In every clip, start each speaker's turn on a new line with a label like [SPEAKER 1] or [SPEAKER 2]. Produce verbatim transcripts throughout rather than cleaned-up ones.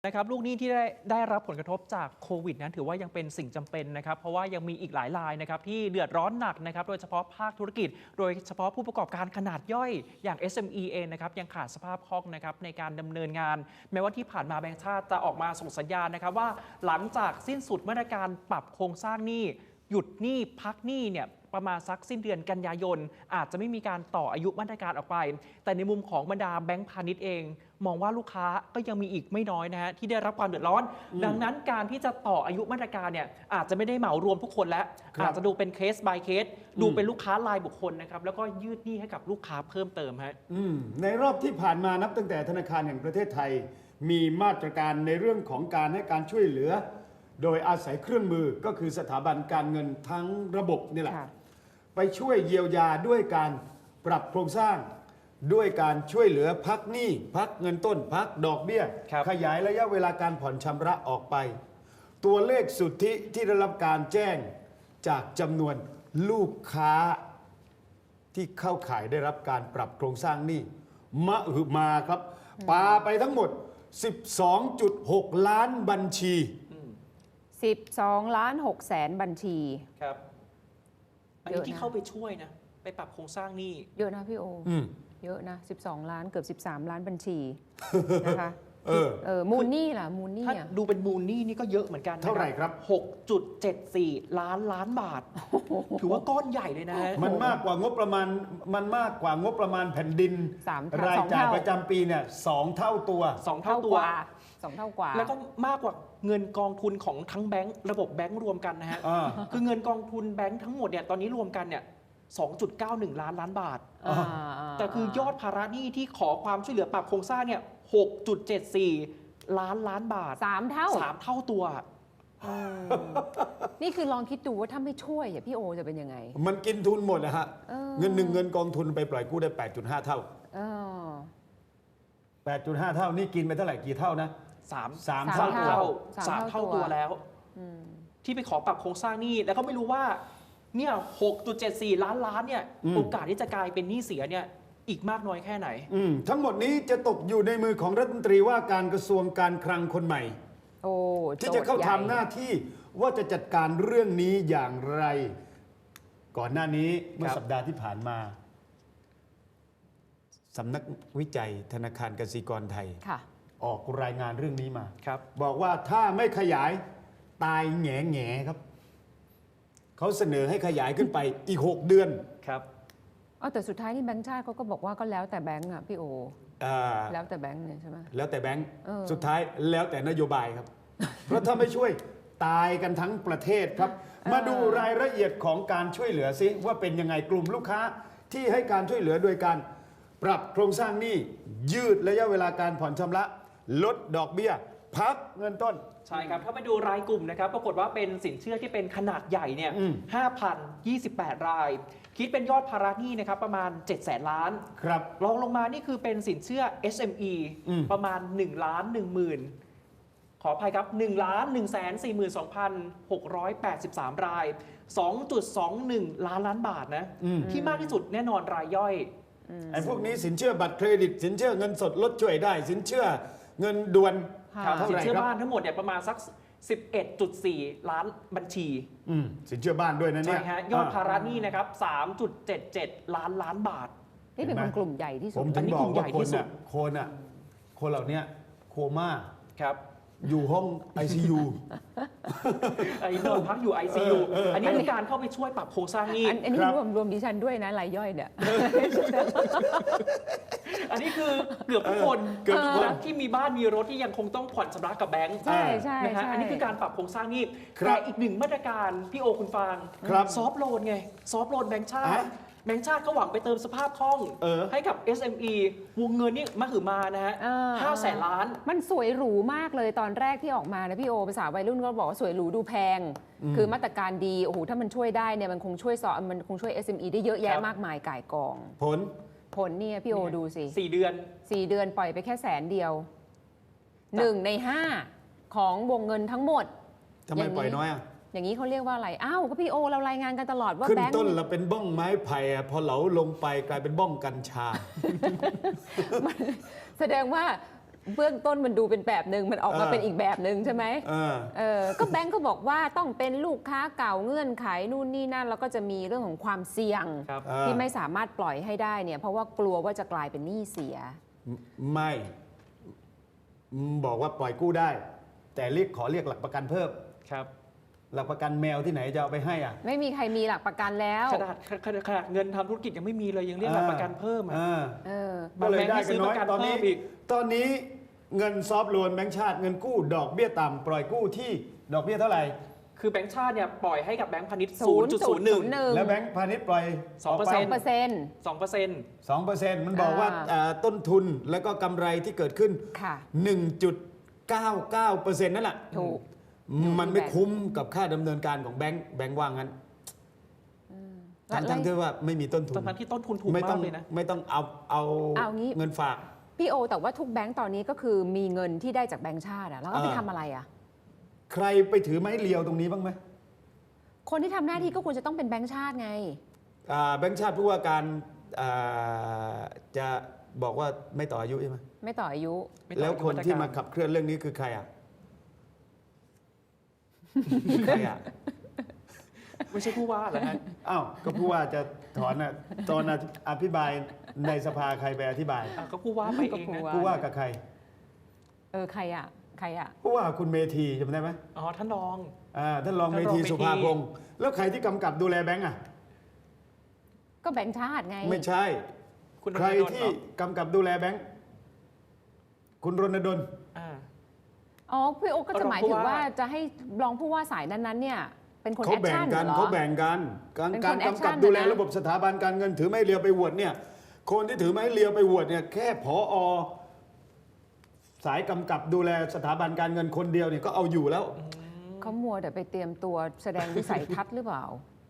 [SPEAKER 1] นะครับลูกหนี้ที่ได้ได้รับผลกระทบจากโควิดนั้นถือว่ายังเป็นสิ่งจำเป็นนะครับเพราะว่ายังมีอีกหลายรายนะครับที่เดือดร้อนหนักนะครับโดยเฉพาะภาคธุรกิจโดยเฉพาะผู้ประกอบการขนาดย่อยอย่าง เอส เอ็ม อี เองนะครับยังขาดสภาพคล่องนะครับในการดำเนินงานแม้ว่าที่ผ่านมาแบงก์ชาติจะออกมาส่งสัญญาณนะครับว่าหลังจากสิ้นสุดมาตรการปรับโครงสร้างหนี้หยุดหนี้พักหนี้เนี่ยประมาณสักสิ้นเดือนกันยายนอาจจะไม่มีการต่ออายุมาตรการออกไปแต่ในมุมของบรรดาแบงก์พาณิชย์เองมองว่าลูกค้าก็ยังมีอีกไม่น้อยนะฮะที่ได้รับความเดือดร้อนดังนั้นการที่จะต่ออายุมาตรการเนี่ยอาจจะไม่ได้เหมารวมทุกคนแล้วอาจจะดูเป็นเคส by เคสดูเป็นลูกค้ารายบุคคลนะครับแล้วก็ยืดหนี้ให้กับลูกค้าเพิ่มเติมฮะ
[SPEAKER 2] ในรอบที่ผ่านมานับตั้งแต่ธนาคารแห่งประเทศไทยมีมาตรการในเรื่องของการให้การช่วยเหลือโดยอาศัยเครื่องมือก็คือสถาบันการเงินทั้งระบบนี่แหละไปช่วยเยียวยาด้วยการปรับโครงสร้างด้วยการช่วยเหลือพักหนี้พักเงินต้นพักดอกเบี้ยขยายระยะเวลาการผ่อนชำระออกไปตัวเลขสุทธิที่ได้รับการแจ้งจากจำนวนลูกค้าที่เข้าข่ายได้รับการปรับโครงสร้างหนี้มหึมาครับปาไปทั้งหมด สิบสองจุดหก ล้านบัญชี
[SPEAKER 3] สิบสองล้านหกแสนบัญชี
[SPEAKER 1] ครับอันนี้ที่เข้าไปช่วยนะไปปรับโครงสร้างหนี้
[SPEAKER 3] เยอะนะพี่โอเยอะนะสิบสองล้านเกือบสิบสามล้านบัญชีนะคะเออเออมูลหนี้ล่ะมูลหนี้
[SPEAKER 1] ถ้าดูเป็นมูลหนี้นี่ก็เยอะเหมือนกัน
[SPEAKER 2] เท่าไหร่ครับ
[SPEAKER 1] หกจุดเจ็ดสี่ ล้านล้านบาทถือว่าก้อนใหญ่เลยนะ
[SPEAKER 2] มันมากกว่างบประมาณมันมากกว่างบประมาณแผ่นดินรายจ่ายประจำปีเนี่ยสองเท่าตัว
[SPEAKER 1] สองเท่าตัว
[SPEAKER 3] สองเท่ากว่า
[SPEAKER 1] แล้วก็มากกว่าเงินกองทุนของทั้งแบงก์ระบบแบงก์รวมกันนะฮะคือเงินกองทุนแบงก์ทั้งหมดเนี่ยตอนนี้รวมกันเนี่ย สองจุดเก้าหนึ่ง ล้านล้านบาทแต่คือยอดภาระหนี้ที่ขอความช่วยเหลือปรับโครงสร้างเนี่ย หกจุดเจ็ดสี่ ล้านล้านบาท
[SPEAKER 3] สามเท่า
[SPEAKER 1] สามเท่าตัว
[SPEAKER 3] นี่คือลองคิดดูว่าถ้าไม่ช่วยพี่โอจะเป็นยังไง
[SPEAKER 2] มันกินทุนหมดนะฮะเงินหนึ่งเงินกองทุนไปปล่อยกู้ได้ แปดจุดห้า เท่าแปดจุดห้า เท่านี่กินไปเท่าไหร่กี่เท่านะ
[SPEAKER 1] สาม สามเท่าสามเท่าตัวแล้วที่ไปขอปรับโครงสร้างหนี้แล้วก็ไม่รู้ว่าเนี่ย หกจุดเจ็ดสี่ ล้านล้านเนี่ยโอกาสที่จะกลายเป็นหนี้เสียเนี่ยอีกมากน้อยแค่ไหน
[SPEAKER 2] ทั้งหมดนี้จะตกอยู่ในมือของรัฐมนตรีว่าการกระทรวงการคลังคนใหม่ที่จะเข้าทำหน้าที่ว่าจะจัดการเรื่องนี้อย่างไรก่อนหน้านี้เมื่อสัปดาห์ที่ผ่านมาสำนักวิจัยธนาคารกสิกรไทยออกรายงานเรื่องนี้มาบอกว่าถ้าไม่ขยายตายแง่แง่ครับเขาเสนอให้ขยายขึ้นไปอีกหกเดือน
[SPEAKER 1] ครับ
[SPEAKER 3] อ๋อแต่สุดท้ายนี่แบงก์ชาติเขาก็บอกว่าก็แล้วแต่แบงก์อ่ะพี่โอแล้วแต่แบงก์เนี่ยใช่ไหม
[SPEAKER 2] แล้วแต่แบงก์สุดท้ายแล้วแต่นโยบายครับเพราะถ้าไม่ช่วยตายกันทั้งประเทศครับมาดูรายละเอียดของการช่วยเหลือซิว่าเป็นยังไงกลุ่มลูกค้าที่ให้การช่วยเหลือโดยการปรับโครงสร้างหนี้ยืดระยะเวลาการผ่อนชำระลดดอกเบี้ยพักเงินต้น
[SPEAKER 1] ใช่ครับถ้าไปดูรายกลุ่มนะครับปรากฏว่าเป็นสินเชื่อที่เป็นขนาดใหญ่เนี่ย ห้าพันยี่สิบแปด รายคิดเป็นยอดภาระหนี้นะครับประมาณเจ็ดแสนล้าน
[SPEAKER 2] ครับ
[SPEAKER 1] รองลงมานี่คือเป็นสินเชื่อ เอส เอ็ม อี ประมาณหนึ่งล้านหนึ่งหมื่นขออภัยครับหนึ่งล้านหนึ่งแสนสี่หมื่นสองพันหกร้อยแปดสิบสาม ราย สองจุดสองหนึ่ง ล้านล้านบาทนะที่มากที่สุดแน่นอนรายย่อย
[SPEAKER 2] ไอ้พวกนี้สินเชื่อบัตรเครดิตสินเชื่อเงินสดลดช่วยได้สินเชื่อเงินด่วน
[SPEAKER 1] สินเชื่อบ้านทั้งหมดเนี่ยประมาณสัก สิบเอ็ดจุดสี่ ล้านบัญชี
[SPEAKER 2] สินเชื่อบ้านด้วยนะเนี่ย
[SPEAKER 1] ใช่ฮะยอดภาระหนี้นะครับ สามจุดเจ็ดเจ็ด ล้านล้านบาท
[SPEAKER 3] นี่เป็นกลุ่มใหญ่ที่สุด
[SPEAKER 2] ผมถึงบอกว่าคนอ่ะคนอ่ะคนเหล่านี้โคม่า
[SPEAKER 1] ครับ
[SPEAKER 2] อยู่ห้อง ไอ ซี ยู
[SPEAKER 1] ไอ้นอนพักอยู่ ไอ ซี ยู อันนี้เป็นการเข้าไปช่วยปรับโครงสร้างหนี้
[SPEAKER 3] อันนี้รวมรวมดิฉันด้วยนะรายย่อยเนี่ย
[SPEAKER 1] อันนี้คือเกือบทุกคนเกือบทุกคนที่มีบ้านมีรถที่ยังคงต้องผ่อนชำระกับแบงก์
[SPEAKER 3] ใช่ใช่
[SPEAKER 1] นะฮะอันนี้คือการปรับโครงสร้างหนี้แต่อีกหนึ่งมาตรการพี่โอคุณฟางซอฟโลนไงซอฟโลนแบงก์ชาติแบงก์ชาติก็หวังไปเติมสภาพคล่องให้กับ เอส เอ็ม อี วงเงินนี่มหึมานะฮะห้าแสนล้าน
[SPEAKER 3] มันสวยหรูมากเลยตอนแรกที่ออกมานะพี่โอภาษาวัยรุ่นก็บอกว่าสวยหรูดูแพงคือมาตรการดีโอ้โหถ้ามันช่วยได้เนี่ยมันคงช่วยสอมันคงช่วย เอส เอ็ม อี ได้เยอะแยะมากมายก่ายกอง
[SPEAKER 2] ผล
[SPEAKER 3] ผลเนี่ยพี่โอดูสิ
[SPEAKER 1] สี่เดือน
[SPEAKER 3] สี่เดือนปล่อยไปแค่แสนเดียวหนึ่งในห้าของวงเงินทั้งหมด
[SPEAKER 2] ทำไมปล่อยน้อยอ่ะ
[SPEAKER 3] อย่างนี้เขาเรียกว่าอะไรอ้าวก็พี่โอเรารายงานกันตลอดว่า
[SPEAKER 2] ขึ้นต้นเราเป็นบ้องไม้ไผ่พอเหลาลงไปกลายเป็นบ้องกัญชา
[SPEAKER 3] แสดงว่าเบื้องต้นมันดูเป็นแบบหนึ่งมันออกมา
[SPEAKER 2] เออ
[SPEAKER 3] เป็นอีกแบบหนึ่งใช่ไหม
[SPEAKER 2] เออ
[SPEAKER 3] เออก็แบงก์ก็บอกว่าต้องเป็นลูกค้าเก่าเงื่อนไขนู่นนี่นั่นแล้วก็จะมีเรื่องของความเสี่ยง
[SPEAKER 1] ครับ
[SPEAKER 2] อ่า
[SPEAKER 3] ที่ไม่สามารถปล่อยให้ได้เนี่ยเพราะว่ากลัวว่าจะกลายเป็นหนี้เสีย
[SPEAKER 2] ไม่บอกว่าปล่อยกู้ได้ แต่เรียกขอเรียกหลักประกันเพิ่ม
[SPEAKER 1] ครับ
[SPEAKER 2] หลักประกันแมวที่ไหนจะเอาไปให้อ่ะ
[SPEAKER 3] ไม่มีใครมีหลักประกันแล้ว
[SPEAKER 1] ขนาดขนาดขนาดเงินทำธุรกิจยังไม่มีเลยยังเรียกหลักประกันเพิ่มอ่ะ
[SPEAKER 2] อ่า
[SPEAKER 3] เออ
[SPEAKER 2] ก็เลยได้กันน้อย
[SPEAKER 1] บางแบงค์ให้ซื้อประกัน
[SPEAKER 2] ตอนนี้
[SPEAKER 1] เพิ่มอีก
[SPEAKER 2] ตอนนี้เงินซอฟต์โลนแบงก์ชาติเงินกู้ดอกเบี้ยต่ำปล่อยกู้ที่ดอกเบี้ยเท่าไหร่
[SPEAKER 1] คือแบงก์ชาติเนี่ยปล่อยให้กับแบงก์พาณิชย์
[SPEAKER 3] ศูนย์จุดศูนย์หนึ่ง
[SPEAKER 2] แล้วแบงก์พาณิชย์ปล่อย
[SPEAKER 1] สองเปอร์เซ็นต์
[SPEAKER 3] เปอร์เซ็นต์
[SPEAKER 1] สองเปอร์เซ็นต์
[SPEAKER 2] สองเปอร์เซ็นต์มันบอกว่า
[SPEAKER 3] อ่า
[SPEAKER 2] อ่าต้นทุนแล้วก็กำไรที่เกิดขึ้น
[SPEAKER 3] ค่ะ
[SPEAKER 2] หนึ่งจุดเก้าเก้าเปอร์เซ็นต์ นั่นแหละ
[SPEAKER 3] ถูก
[SPEAKER 2] มันไม่คุ้มกับค่าดำเนินการของแบงก์แบงก์ว่างั้นทั้งทั้งที่ว่าไม่มีต้นทุน
[SPEAKER 1] ตอนนั้นที่ต้นทุนถูก
[SPEAKER 2] ไม่ต้
[SPEAKER 1] มา
[SPEAKER 2] อก ง
[SPEAKER 1] เลยนะ
[SPEAKER 2] ไม่ต้องเอาเอา
[SPEAKER 3] เอางี้
[SPEAKER 2] เงินฝาก
[SPEAKER 3] พี่โอแต่ว่าทุกแบงก์ตอนนี้ก็คือมีเงินที่ได้จากแบงก์ชาติอะแล้วก็ไป
[SPEAKER 2] อ่า
[SPEAKER 3] ทำอะไรอะ
[SPEAKER 2] ใครไปถือไม้เรียวตรงนี้บ้างไหม
[SPEAKER 3] คนที่ทำหน้าที่ก็ควรจะต้องเป็นแบงก์ชาติไง
[SPEAKER 2] อ่าแบงก์ชาติผู้ว่าการอ่าจะบอกว่าไม่ต่ออายุใช่ไหม
[SPEAKER 3] ไม่ต่ออายุ
[SPEAKER 1] ไม่ต่อ
[SPEAKER 2] แล้วคนที่มา
[SPEAKER 1] อายุ
[SPEAKER 2] ขับเคลื่อนเรื่องนี้คือใครอ่ะ ใครอ่ะ
[SPEAKER 1] ไม่ใช่ผู้ว่าเหรอฮะ
[SPEAKER 2] อ้าวก็ผู้ว่าจะถอนอ่ะตอนอภิบายในสภาใครไปอธิบาย
[SPEAKER 1] อ่ะก็ผู้ว่าไปเอง
[SPEAKER 3] ก็ผู้
[SPEAKER 1] นะ
[SPEAKER 3] ว่า
[SPEAKER 2] ผู้ว่ากับใคร
[SPEAKER 3] เออใครอะใครอะ
[SPEAKER 2] ผู้ว่าคุณเมธีจำได้ไหม
[SPEAKER 1] อ๋อท่านรอง
[SPEAKER 2] อ่าท่านรองเม
[SPEAKER 1] ท่านรอง
[SPEAKER 2] ธี
[SPEAKER 1] เมธี
[SPEAKER 2] สุภาพงศ์แล้วใครที่กำกับดูแลแบงก์อ่ะ
[SPEAKER 3] ก็แบงก์ชาติไง
[SPEAKER 2] ไม่ใช่
[SPEAKER 1] คุณ
[SPEAKER 2] ใคร
[SPEAKER 1] ธนาโดน
[SPEAKER 2] ที่
[SPEAKER 1] เหอ
[SPEAKER 2] กำกับดูแลแบงก์คุณรณดล
[SPEAKER 1] อ่า
[SPEAKER 3] อ๋อพี่โอก็จะ
[SPEAKER 1] รอง
[SPEAKER 3] หมาย
[SPEAKER 1] ผู้
[SPEAKER 3] ถึง
[SPEAKER 1] ว่า
[SPEAKER 3] ว่าจะให้รองผู้ว่าสายนั้นๆเนี่ยเป็นคน
[SPEAKER 2] เขา
[SPEAKER 3] แอค
[SPEAKER 2] แบ่ง
[SPEAKER 3] ชั่น
[SPEAKER 2] กัน
[SPEAKER 3] เหรอ
[SPEAKER 2] เขาแบ่งกันการ
[SPEAKER 3] เป็นคน
[SPEAKER 2] การ
[SPEAKER 3] แอค
[SPEAKER 2] กำ
[SPEAKER 3] ชั่
[SPEAKER 2] กับ
[SPEAKER 3] น
[SPEAKER 2] ดูแล
[SPEAKER 3] นะ
[SPEAKER 2] ระบบสถาบันการเงินถือไม้เรียวไปโหวตเนี่ยคนที่ถือไม้เรียวไปโหวตเนี่ยแค่ผอสายกำกับดูแลสถาบันการเงินคนเดียวเนี่ยก็เอาอยู่แล้ว
[SPEAKER 3] เขามัวแต่ไปเตรียมตัวแสดงวิสัยทัศน์หรือเปล่า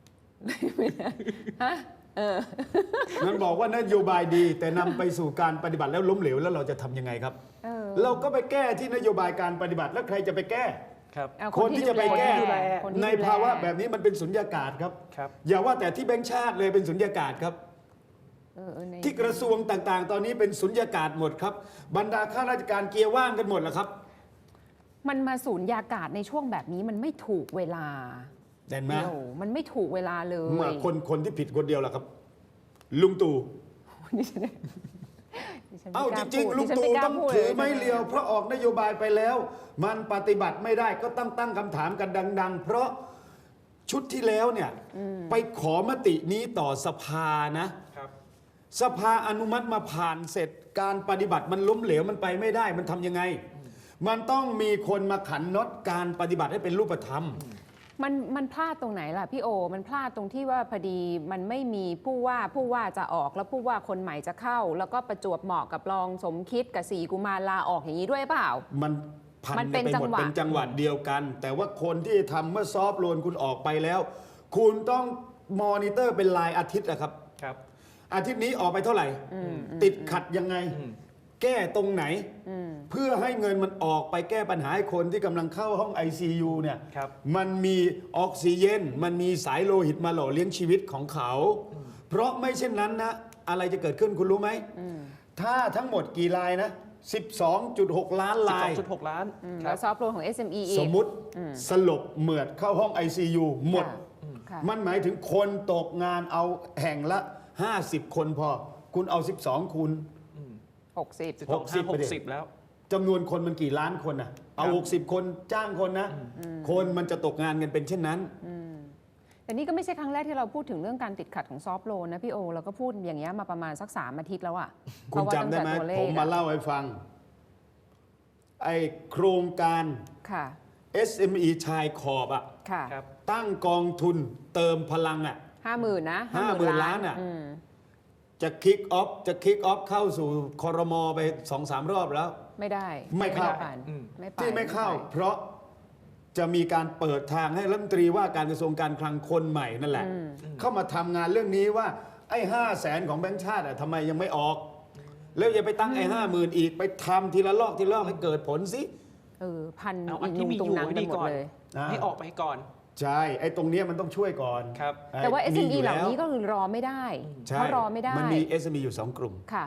[SPEAKER 3] ฮะเออ
[SPEAKER 2] นั้นบอกว่านโยบายดี แต่นำไปสู่การปฏิบัติแล้วล้มเหลวแล้วเราจะทำยังไงครับ
[SPEAKER 3] เออ
[SPEAKER 2] เราก็ไปแก้ที่นโยบายการปฏิบัติแล้วใครจะไปแก้
[SPEAKER 1] ครับ
[SPEAKER 3] เอา
[SPEAKER 2] คนที่จะไปแก้
[SPEAKER 3] ดูลคนที่
[SPEAKER 2] ใน
[SPEAKER 3] ดูแล
[SPEAKER 2] ภาวะแบบนี้มันเป็นสุญญากาศครับ
[SPEAKER 1] ครับ
[SPEAKER 2] อย่าว่าแต่ที่แบงค์ชาติเลยเป็นสุญญากาศครับ
[SPEAKER 3] เออเออใน
[SPEAKER 2] ที่กระทรวงต่างๆ ตอนนี้เป็นสุญญากาศหมดครับ บรรดาข้าราชการเกียร์ว่างกันหมดแล้วครับ
[SPEAKER 3] มันมาสูญยากาศในช่วงแบบนี้มันไม่ถูกเวลา
[SPEAKER 2] เห็นไหม
[SPEAKER 3] เดี๋ยวมันไม่ถูกเวลาเลย
[SPEAKER 2] เมื่อคนคนที่ผิดคนเดียวแหละครับ ลุงตู่
[SPEAKER 3] ดิฉันดิฉันไม่
[SPEAKER 2] เอ้าก
[SPEAKER 3] ล้
[SPEAKER 2] จริง
[SPEAKER 3] พูด
[SPEAKER 2] ๆ ลุง
[SPEAKER 3] ดิฉัน
[SPEAKER 2] ตู่
[SPEAKER 3] ไม่กล้า
[SPEAKER 2] ต้อง
[SPEAKER 3] พูด
[SPEAKER 2] ถือ
[SPEAKER 3] ล
[SPEAKER 2] ไม้เรียว เพราะออกนโยบายไปแล้ว มันปฏิบัติไม่ได้ก็ต้องตั้งคำถามกันดัง ๆ เพราะชุดที่แล้วเนี่ยไปขอมตินี้ต่อสภานะ
[SPEAKER 1] ครับ
[SPEAKER 2] สภาอนุมัติมาผ่านเสร็จการปฏิบัติมันล้มเหลวมันไปไม่ได้มันทำยังไง มันต้องมีคนมาขันน็อตการปฏิบัติให้เป็นรูปธรรม
[SPEAKER 3] มันมันพลาดตรงไหนล่ะพี่โอ มันพลาดตรงที่ว่าพอดีมันไม่มีผู้ว่าผู้ว่าจะออกแล้วผู้ว่าคนใหม่จะเข้า แล้วก็ประจวบเหมาะกับรองสมคิดกับสีกุมารลาออกอย่างนี้ด้วยเปล่า
[SPEAKER 2] มันพัน
[SPEAKER 3] มัน
[SPEAKER 2] กั
[SPEAKER 3] เป็น
[SPEAKER 2] นไปหมด
[SPEAKER 3] จังหวะ
[SPEAKER 2] เป็นจังหวัดเดียวกัน แต่ว่าคนที่ทำเมื่อซอฟต์โลนคุณออกไปแล้ว คุณต้องมอนิเตอร์เป็นรายอาทิตย์อะครับ
[SPEAKER 1] ครับ
[SPEAKER 2] อาทิตย์นี้ออกไปเท่าไหร่ ติดขัดยังไง
[SPEAKER 1] อืม
[SPEAKER 2] แก้ตรงไหน
[SPEAKER 3] อืม
[SPEAKER 2] เพื่อให้เงินมันออกไปแก้ปัญหาให้คนที่กำลังเข้าห้อง ไอ ซี ยู เนี่ย
[SPEAKER 1] ครับ
[SPEAKER 2] มันมีออกซิเจนมันมีสายโลหิตมาหล่อเลี้ยงชีวิตของเขา เพราะไม่เช่นนั้นนะ อะไรจะเกิดขึ้นคุณรู้ไหม ถ้าทั้งหมดกี่ลายนะ สิบสองจุดหก ล้านลาย
[SPEAKER 1] สิบสองจุดหกล้าน
[SPEAKER 3] อืม
[SPEAKER 1] ค
[SPEAKER 3] แล้
[SPEAKER 1] รั
[SPEAKER 3] ว
[SPEAKER 1] บ
[SPEAKER 3] ซอฟต์โลนของ เอส เอ็ม อี อีก
[SPEAKER 2] สมมุติสลบเหมือดเข้าห้อง ไอ ซี ยู หมด
[SPEAKER 3] ค่ะ
[SPEAKER 2] มันหมายถึงคนตกงานเอาแห่งละ ห้าสิบ คนพอ คุณเอา สิบสอง คูณ
[SPEAKER 3] หกสิบ
[SPEAKER 1] สิบสองห้าหกสิบแล้ว
[SPEAKER 2] จำนวนคนมันกี่ล้านคนน่ะ เอา
[SPEAKER 1] ครับ
[SPEAKER 2] หกสิบ คนจ้างคนนะ คนมันจะตกงานกันเป็นเช่นนั้น
[SPEAKER 3] แต่นี่ก็ไม่ใช่ครั้งแรกที่เราพูดถึงเรื่องการติดขัดของซอฟต์โลนนะพี่โอ เราก็พูดอย่างเงี้ยมาประมาณสักสามอาทิตย์แล้วอะ
[SPEAKER 2] คุณจำได้ไหม
[SPEAKER 3] เพราะว่าตั้งแต่ตัวเล
[SPEAKER 2] ผ
[SPEAKER 3] ข
[SPEAKER 2] ม
[SPEAKER 3] อะ
[SPEAKER 2] มาเล่าให้ฟัง ไอ้โครงการ
[SPEAKER 3] ค่ะ
[SPEAKER 2] เอส เอ็ม อี ชายขอบอะ
[SPEAKER 3] ค่ะ
[SPEAKER 1] ครับ
[SPEAKER 2] ตั้งกองทุนเติมพลังอะ
[SPEAKER 3] ห้าหมื่นนะ
[SPEAKER 2] ห้าหมื่นล้านอะ
[SPEAKER 3] อืม
[SPEAKER 2] จะคิกออฟจะคิกออฟเข้าสู่คอรมอไปสองสามรอบแล้ว
[SPEAKER 3] ไม่ได้
[SPEAKER 2] ไม่เข้า
[SPEAKER 3] ผ่าน
[SPEAKER 1] อืม
[SPEAKER 3] ไม่ไป
[SPEAKER 2] ที่ไม่เข้า
[SPEAKER 3] ป
[SPEAKER 2] เพราะจะมีการเปิดทางให้รัฐมนตรีว่าการกระทรวงการคลังคนใหม่นั่นแหละ เข้ามาทำงานเรื่องนี้ว่า ไอ้ห้าแสนของแบงค์ชาติอะทำไมยังไม่ออก แล้วอย่าไปตั้งไอ้ห้าหมื่นอีกไปทำทีละลอกทีละลอกให้เกิดผลสิ
[SPEAKER 3] เออพัน
[SPEAKER 1] เอาอั
[SPEAKER 3] อี
[SPEAKER 1] น
[SPEAKER 3] ก
[SPEAKER 1] ที่
[SPEAKER 3] นุ่ง
[SPEAKER 1] มี
[SPEAKER 3] ตุ
[SPEAKER 1] อง ยู่
[SPEAKER 3] หนัง
[SPEAKER 1] ให้
[SPEAKER 3] กัน
[SPEAKER 1] ดี
[SPEAKER 3] หมด
[SPEAKER 1] ก่อน
[SPEAKER 3] เลย
[SPEAKER 2] อ่า
[SPEAKER 1] ให้ออกไปก่อน
[SPEAKER 2] ใช่ไอ้ตรงเนี้ยมันต้องช่วยก่อน
[SPEAKER 1] ครับ
[SPEAKER 3] แต่ว่า เอส เอ็ม อี
[SPEAKER 2] ยู่
[SPEAKER 3] เหล่า
[SPEAKER 2] แว
[SPEAKER 3] นี้ก็คือรอไม่ได้
[SPEAKER 2] ใช่
[SPEAKER 3] เขารอไม่ได้
[SPEAKER 2] มันมี เอส เอ็ม อี อยู่สองกลุ่ม
[SPEAKER 3] ค่ะ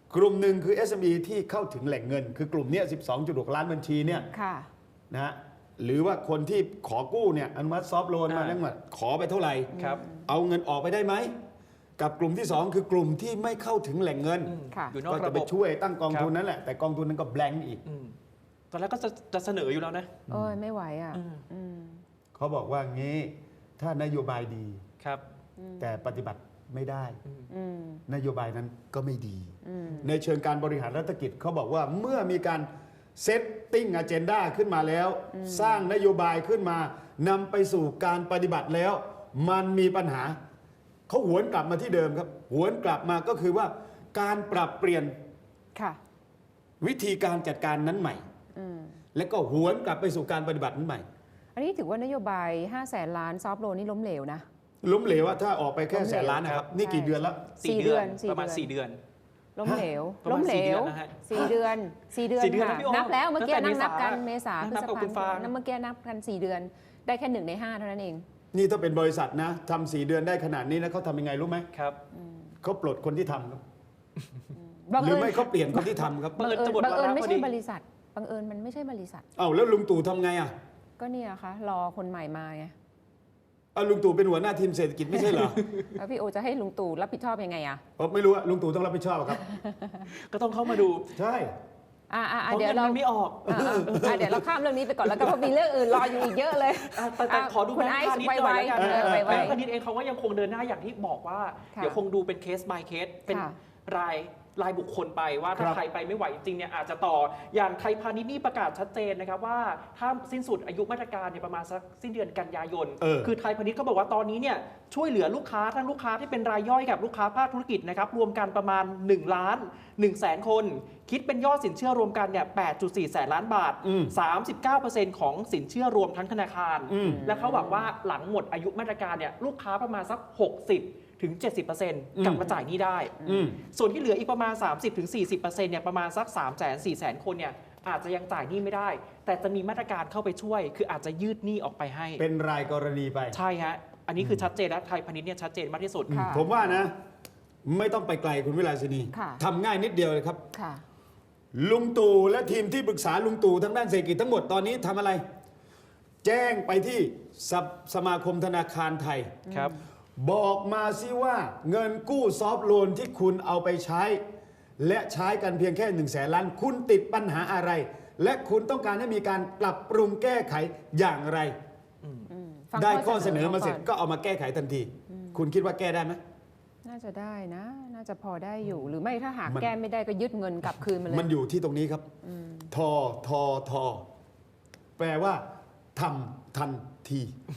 [SPEAKER 2] กลุ่มหนึ่งคือ เอส เอ็ม อี ที่เข้าถึงแหล่งเงิน คือกลุ่มเนี้ย สิบสองจุดหก ล้านบัญชีเนี่ย
[SPEAKER 3] ค่ะ
[SPEAKER 2] นะฮะหรือว่าคนที่ขอกู้เนี่ยอนุมัติซอฟต์โลนมา
[SPEAKER 1] อ่า
[SPEAKER 2] นั่งมาขอไปเท่าไหร่
[SPEAKER 1] ครับ
[SPEAKER 2] เอาเงินออกไปได้ไหม กับกลุ่มที่สองคือกลุ่มที่ไม่เข้าถึงแหล่งเงิน
[SPEAKER 1] อืม
[SPEAKER 3] ค่ะ
[SPEAKER 1] อยู่นอก
[SPEAKER 2] ก็
[SPEAKER 1] ระ
[SPEAKER 2] จะ
[SPEAKER 1] บ
[SPEAKER 2] ไป
[SPEAKER 1] บ
[SPEAKER 2] ช่วยตั้งกองทุน
[SPEAKER 1] ครับ
[SPEAKER 2] นั่นแหละแต่กองทุนนั้นก็แบงก์อีก
[SPEAKER 1] อืมตอนแรกก็จะจะเสนออยู่แล้วนะ
[SPEAKER 3] โอ้ยไม่ไหวอ่ะ
[SPEAKER 1] อืม
[SPEAKER 3] อืม
[SPEAKER 2] เขาบอกว่างี้ถ้านโยบายดี
[SPEAKER 1] ครับ
[SPEAKER 2] แต่ปฏิบัติไม่ได้
[SPEAKER 3] อืม
[SPEAKER 2] นโยบายนั้นก็ไม่ดี
[SPEAKER 3] อืม
[SPEAKER 2] ในเชิงการบริหารรัฐกิจเขาบอกว่าเมื่อมีการเซตติ้งอเจนดาขึ้นมาแล้ว สร้างนโยบายขึ้นมานำไปสู่การปฏิบัติแล้ว มันมีปัญหา เขาหวนกลับมาที่เดิมครับ หวนกลับมาก็คือว่าการปรับเปลี่ยน
[SPEAKER 3] ค่ะ
[SPEAKER 2] วิธีการจัดการนั้นใหม่
[SPEAKER 3] อืม
[SPEAKER 2] และก็หวนกลับไปสู่การปฏิบัตินั้นใหม่
[SPEAKER 3] อันนี้ถือว่านโยบายห้าแสนล้านซอฟต์โลนนี่ล้มเหลวนะ
[SPEAKER 2] ล้มเหลวว่าถ้าออกไปแค่
[SPEAKER 3] ล้มเหลว
[SPEAKER 2] แสนล้านนะครับ นี่กี่
[SPEAKER 3] ใช่
[SPEAKER 2] เดือนแล้ว
[SPEAKER 3] สี่
[SPEAKER 1] สี่
[SPEAKER 3] เดื
[SPEAKER 1] เดื
[SPEAKER 3] อ
[SPEAKER 1] อน น
[SPEAKER 3] สี่
[SPEAKER 1] ประมาณ
[SPEAKER 3] เดือน
[SPEAKER 1] สี่เดือน
[SPEAKER 3] ล้มเหลว
[SPEAKER 1] ประ
[SPEAKER 3] ล้
[SPEAKER 1] มาณ
[SPEAKER 3] มเหล
[SPEAKER 1] สี่เดือ
[SPEAKER 3] วน
[SPEAKER 1] นะฮะ
[SPEAKER 3] สี่เดือนสี่เดือน
[SPEAKER 1] สี่เดือน
[SPEAKER 3] ค่ะ
[SPEAKER 1] นะพี่อ้อ
[SPEAKER 3] นับแล้วเมื่อกี้
[SPEAKER 1] ตั้งแต่
[SPEAKER 3] นั่งนับกัน
[SPEAKER 1] เม
[SPEAKER 3] เม
[SPEAKER 1] ษา
[SPEAKER 3] ษาพฤ
[SPEAKER 1] นับ
[SPEAKER 3] ษ
[SPEAKER 1] กับ
[SPEAKER 3] ภา
[SPEAKER 1] คุณฟาง
[SPEAKER 3] นับเมื่อกี้นับกันสี่เดือน ได้แค่หนึ่งในห้าเท่านั้นเอง
[SPEAKER 2] นี่ถ้าเป็นบริษัทนะทำสี่เดือนได้ขนาดนี้นะเขาทำยังไงรู้ไหม
[SPEAKER 1] ครับ
[SPEAKER 2] เขาปลดคนที่ทำครับ
[SPEAKER 3] บัง
[SPEAKER 2] หรือ
[SPEAKER 3] เอิญ
[SPEAKER 2] ไม่เขาเปลี่ยนคนที่ทำครับ
[SPEAKER 1] บังเอิญจะหมด
[SPEAKER 3] บังเอิญ
[SPEAKER 1] วาระ
[SPEAKER 3] ไม่
[SPEAKER 1] พอ
[SPEAKER 3] ใช่
[SPEAKER 1] ดี
[SPEAKER 3] บริษัทบังเอิญมันไม่ใช่บริษัท
[SPEAKER 2] เอ้าแล้วลุงตู่ทำไงอ่ะ
[SPEAKER 3] ก็เนี่ยค่ะรอคนใหม่มาไง
[SPEAKER 2] เอาลุงตู่เป็นหัวหน้าทีมเศรษฐกิจไม่ใช่เหรอ
[SPEAKER 3] แล้วพี่โอจะให้ลุงตู่รับผิดชอบยังไงอ่ะ
[SPEAKER 2] ผมไม่รู้อะลุงตู่ต้องรับผิดชอบอะครับ
[SPEAKER 1] ก็ต้องเข้ามาดู
[SPEAKER 2] ใช่
[SPEAKER 3] อ่าอ่า
[SPEAKER 1] เพราะ
[SPEAKER 3] เดี๋ยว
[SPEAKER 1] เงิน
[SPEAKER 3] เรา
[SPEAKER 1] มันไม่ออก
[SPEAKER 3] อ่าอ่าอ่าเดี๋ยวเราข้ามเรื่องนี้ไปก่อนแล้วก็เพราะมีเรื่องอื่นรออยู่อีกเยอะเลย
[SPEAKER 1] อ่ะแต่แต่
[SPEAKER 3] อ่ะ
[SPEAKER 1] ขอดู
[SPEAKER 3] คุณ
[SPEAKER 1] แบง
[SPEAKER 3] ไอ
[SPEAKER 1] ค์
[SPEAKER 3] ซ์
[SPEAKER 1] พาณิช
[SPEAKER 3] ไว
[SPEAKER 1] ย์หน่อยแล้วกัน
[SPEAKER 3] ๆเออไว
[SPEAKER 1] แบงค์พาณิชย์เองเขาก็ยังคงเดินหน้าอย่างที่บอกว่า
[SPEAKER 3] ค่ะ
[SPEAKER 1] เดี๋ยวคงดูเป็นเคส by เคสเป็น
[SPEAKER 3] ค่ะ
[SPEAKER 1] รายรายบุคคลไปว่าถ้า
[SPEAKER 2] ครับ
[SPEAKER 1] ใครไปไม่ไหวจริงเนี่ยอาจจะต่ออย่างไทยพาณิชย์นี่ประกาศชัดเจนนะครับว่าถ้าสิ้นสุดอายุมาตรการเนี่ยประมาณสักสิ้นเดือนกันยายน
[SPEAKER 2] เออ
[SPEAKER 1] คือไทยพาณิชย์เขาบอกว่าตอนนี้เนี่ยช่วยเหลือลูกค้าทั้งลูกค้าที่เป็นรายย่อยกับลูกค้าภาคธุรกิจนะครับรวมกันประมาณ1ล้าน1แสนคน คิดเป็นยอดสินเชื่อรวมกันเนี่ย แปดจุดสี่ แสนล้านบาท
[SPEAKER 2] อืม
[SPEAKER 1] สามสิบเก้าเปอร์เซ็นต์ ของสินเชื่อรวมทั้งธนาคาร
[SPEAKER 2] อืม
[SPEAKER 1] และเขาหวังว่าหลังหมดอายุมาตรการเนี่ยลูกค้าประมาณสัก หกสิบถึงเจ็ดสิบเปอร์เซ็นต์ กลับมาจ่ายหนี้ได้
[SPEAKER 2] อืม
[SPEAKER 1] ส่วนที่เหลืออีกประมาณ สามสิบถึงสี่สิบเปอร์เซ็นต์ เนี่ยประมาณสัก สามแสนสี่แสนคนเนี่ยอาจจะยังจ่ายหนี้ไม่ได้ แต่จะมีมาตรการเข้าไปช่วย คืออาจจะยืดหนี้ออกไปให้
[SPEAKER 2] เป็นรายกรณีไป
[SPEAKER 1] ใช่ฮะอันนี้คือชัดเจนและไทยพาณิชย์เนี่ยชัดเจนมากที่สุด
[SPEAKER 3] ค่ะ
[SPEAKER 2] ผมว่านะ ไม่ต้องไปไกลคุณวิลาสินี
[SPEAKER 3] ค่ะ
[SPEAKER 2] ทำง่ายนิดเดียวเลยครับ
[SPEAKER 3] ค่ะ
[SPEAKER 2] ลุงตู่และทีมที่ปรึกษาลุงตู่ทางด้านเศรษฐกิจทั้งหมดตอนนี้ทำอะไร แจ้งไปที่สภสมาคมธนาคารไทย
[SPEAKER 1] ครับ
[SPEAKER 2] บอกมาสิว่าเงินกู้ซอฟต์โลนที่คุณเอาไปใช้ และใช้กันเพียงแค่หนึ่งแสนล้าน คุณติดปัญหาอะไร และคุณต้องการให้มีการปรับปรุงแก้ไขอย่างไร
[SPEAKER 3] อืมฟัง
[SPEAKER 2] ได้ข้อเสนอมาเสร็จ
[SPEAKER 3] ก่น
[SPEAKER 2] ก็เอามาแก้ไขทันที คุณคิดว่าแก้ได้ไหม
[SPEAKER 3] น่าจะได้นะ น่าจะพอได้อยู่ หรือไม่ถ้าหาก
[SPEAKER 2] มัน
[SPEAKER 3] แก้ไม่ได้ก็ยึดเงินกลับคืนมาเลย
[SPEAKER 2] มันอยู่ที่ตรงนี้ครับ ทอ ทอ ทอ แปลว่าทำทันที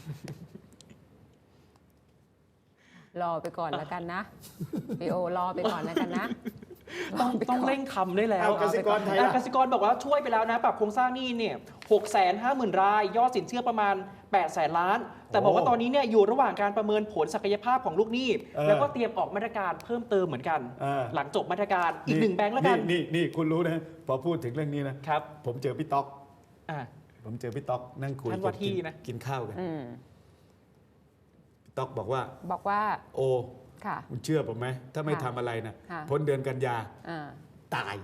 [SPEAKER 3] รอไปก่อนแล้วกันนะพี่โอรอไปก่อนแล้วกันนะ
[SPEAKER 1] ต้อง
[SPEAKER 3] ไปก่อน
[SPEAKER 1] ต้องเร่งทำได้แล้ว
[SPEAKER 2] เอากสิกรไทย
[SPEAKER 1] อ่ะ
[SPEAKER 2] ล่ะ
[SPEAKER 1] กสิกรบอกว่าช่วยไปแล้วนะ ปรับโครงสร้างหนี้เนี่ยหกแสนห้าหมื่นราย ยอดสินเชื่อประมาณ8ปดแสนล้าน แต่บอกว่าตอนนี้เนี่ยอยู่ระหว่างการประเมินผลศักยภาพของลูกหนี้
[SPEAKER 2] เออ
[SPEAKER 1] แล้วก็เตรียมออกมาตรการเพิ่มเติมเหมือนกัน
[SPEAKER 2] เออ
[SPEAKER 1] หลังจบมาตรการอีกหนึ่งแบงค์แล้วกัน
[SPEAKER 2] นี่นี่คุณรู้นะ พอพูดถึงเรื่องนี้นะ
[SPEAKER 1] ครับ
[SPEAKER 2] ผมเจอพี่ต๊อก
[SPEAKER 1] อ่ะ
[SPEAKER 2] ผมเจอพี่ต๊อกนั่งคุย
[SPEAKER 1] ท่านว่าที่
[SPEAKER 2] กิ
[SPEAKER 1] นะ
[SPEAKER 2] กินข้าวกัน
[SPEAKER 3] อืม
[SPEAKER 2] พี่ต๊อกบอกว่า
[SPEAKER 3] บอกว่า
[SPEAKER 2] โอ
[SPEAKER 3] ค่ะ
[SPEAKER 2] คุณเชื่อผมไหม ถ้าไม่
[SPEAKER 3] ค่ะ
[SPEAKER 2] ทำอะไรนะ
[SPEAKER 3] ค่ะ
[SPEAKER 2] พ้นเดือนกันยา
[SPEAKER 3] อ่า
[SPEAKER 2] ตาย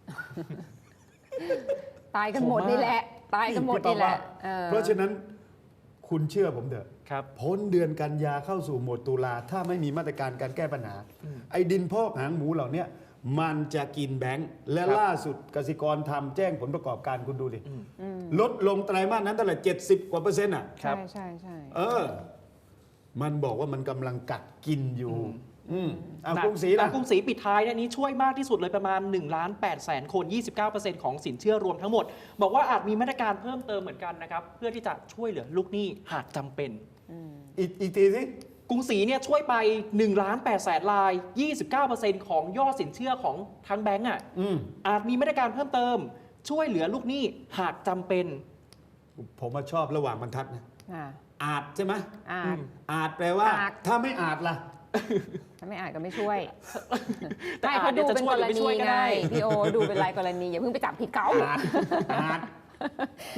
[SPEAKER 3] ตายกันหมดนี่แหละ ตายกันหมดนี่แหละออ
[SPEAKER 2] เพราะฉะนั้นคุณเชื่อผมเถอะ
[SPEAKER 1] ครับ
[SPEAKER 2] พ้นเดือนกันยาเข้าสู่โหมดตุลาถ้าไม่มีมาตรการการแก้ปัญหา ไอ้ดินพอกหางหมูเหล่าเนี้ยมันจะกินแบงค์และ
[SPEAKER 1] ครับ
[SPEAKER 2] ล่าสุดกสิกรทำแจ้งผลประกอบการคุณดูดิลดลงไตรมาสนั้นเท่าไหร่เจ็ดสิบกว่าเปอร์เซ็นต์อ่ะ
[SPEAKER 1] ครับ
[SPEAKER 3] ใช่ใช่ใช่
[SPEAKER 2] เออ มันบอกว่ามันกำลังกัดกินอยู่ อืมอ่ะ
[SPEAKER 1] หนั
[SPEAKER 2] กรุงศรี
[SPEAKER 1] หนั
[SPEAKER 2] ล่ะ
[SPEAKER 1] กรุงศรีปิดท้ายเนี่ยนี้ช่วยมากที่สุดเลยประมาณ1ล้าน8แสนคน ยี่สิบเก้าเปอร์เซ็นต์ ของสินเชื่อรวมทั้งหมด บอกว่าอาจมีมาตรการเพิ่มเติมเหมือนกันนะครับ เพื่อที่จะช่วยเหลือลูกหนี้หากจำเป็น
[SPEAKER 2] อีกอีกทีสิ
[SPEAKER 1] กรุงศรีเนี่ยช่วยไป1ล้าน8แสนราย ยี่สิบเก้าเปอร์เซ็นต์ ของยอดสินเชื่อของทั้งแบงก์อ่ะ
[SPEAKER 2] อืม
[SPEAKER 1] อาจมีมาตรการเพิ่มเติม ช่วยเหลือลูกหนี้หากจำเป็น
[SPEAKER 2] ผมมาชอบระหว่างบรรทัดนะ
[SPEAKER 3] อ่า
[SPEAKER 2] อาจใช่ไหม
[SPEAKER 3] อ่า
[SPEAKER 1] อืม
[SPEAKER 2] อาจแปลว่า
[SPEAKER 3] อาจ
[SPEAKER 2] ถ้าไม่อาจล่ะ
[SPEAKER 3] ถ้าไม่อ่านก็ไม่ช่วย
[SPEAKER 1] แต่
[SPEAKER 3] ไม่
[SPEAKER 1] อา
[SPEAKER 3] เขา
[SPEAKER 1] จ
[SPEAKER 3] ดู
[SPEAKER 1] จะ
[SPEAKER 3] เป็น
[SPEAKER 1] ช่วย
[SPEAKER 3] ก
[SPEAKER 1] หรือ
[SPEAKER 3] ร
[SPEAKER 1] ไม่
[SPEAKER 3] ณี
[SPEAKER 1] ช่วยก็
[SPEAKER 3] ไง
[SPEAKER 1] ได้
[SPEAKER 3] พี่โอดูเป็นรายกรณีอย่าเพิ่งไปจับผิดเขา
[SPEAKER 2] อาจอาจ